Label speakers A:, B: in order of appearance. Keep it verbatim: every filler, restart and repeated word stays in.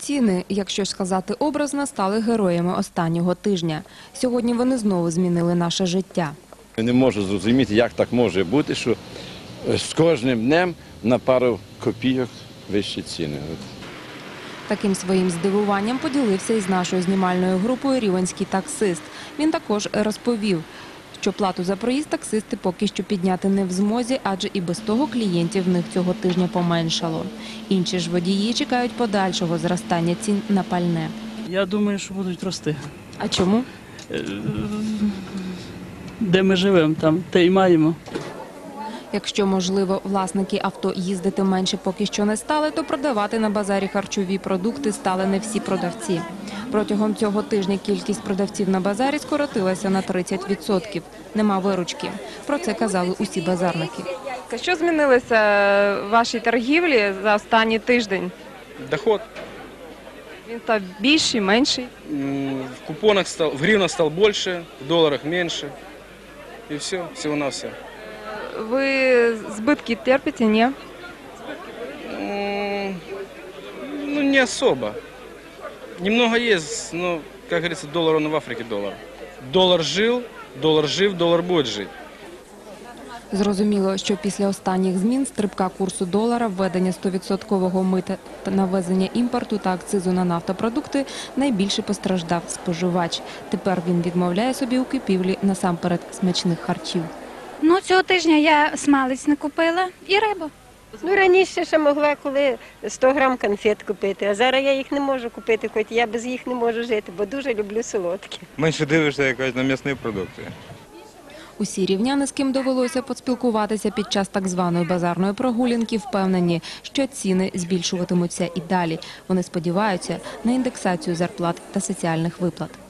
A: Ціни, якщо сказати образно, стали героями останнього тижня. Сьогодні вони знову змінили наше життя.
B: Я не можу зрозуміти, як так може бути, що з кожним днем на пару копійок вищі ціни.
A: Таким своїм здивуванням поділився із нашою знімальною групою рівненський таксист. Він також розповів, що плату за проїзд таксисти поки що підняти не в змозі, адже і без того клієнтів в них цього тижня поменшало. Інші ж водії чекають подальшого зростання цін на пальне.
C: Я думаю, що будуть рости.
A: А чому?
C: Де ми живемо, там те й маємо.
A: Якщо, можливо, власники авто їздити менше поки що не стали, то продавати на базарі харчові продукти стали не всі продавці. Протягом цього тижня кількість продавців на базарі скоротилася на тридцять відсотків. Нема виручки. Про це казали усі базарники.
D: Що змінилося в вашій торгівлі за останній тиждень?
E: Доход.
D: Він став більший, менший?
E: В купонах стал, в гривнах стал больше, в долларах меньше. И все, всего-навсего.
D: Ви збитки терпите, ні?
E: Ну, не особо. Немного есть, но, как говорится, доллар он в Африке доллар. Доллар жил, доллар жив, доллар будет жить.
A: Зрозуміло, що після останніх змін стрибка курсу долара, введення сто відсотків мита на ввезення імпорту та акцизу на нафтопродукти найбільше постраждав споживач. Тепер він відмовляє собі у купівлі насамперед смачних харчів.
F: Ну, цього тижня я смалець не купила і рибу.
G: Ну, раніше ще могла коли сто грам конфет купити, а зараз я їх не можу купити, хоч я без їх не можу жити, бо дуже люблю солодкі.
H: Менше дивишся якось на м'ясні продукти.
A: Усі рівняни, з ким довелося поспілкуватися під час так званої базарної прогулянки, впевнені, що ціни збільшуватимуться і далі. Вони сподіваються на індексацію зарплат та соціальних виплат.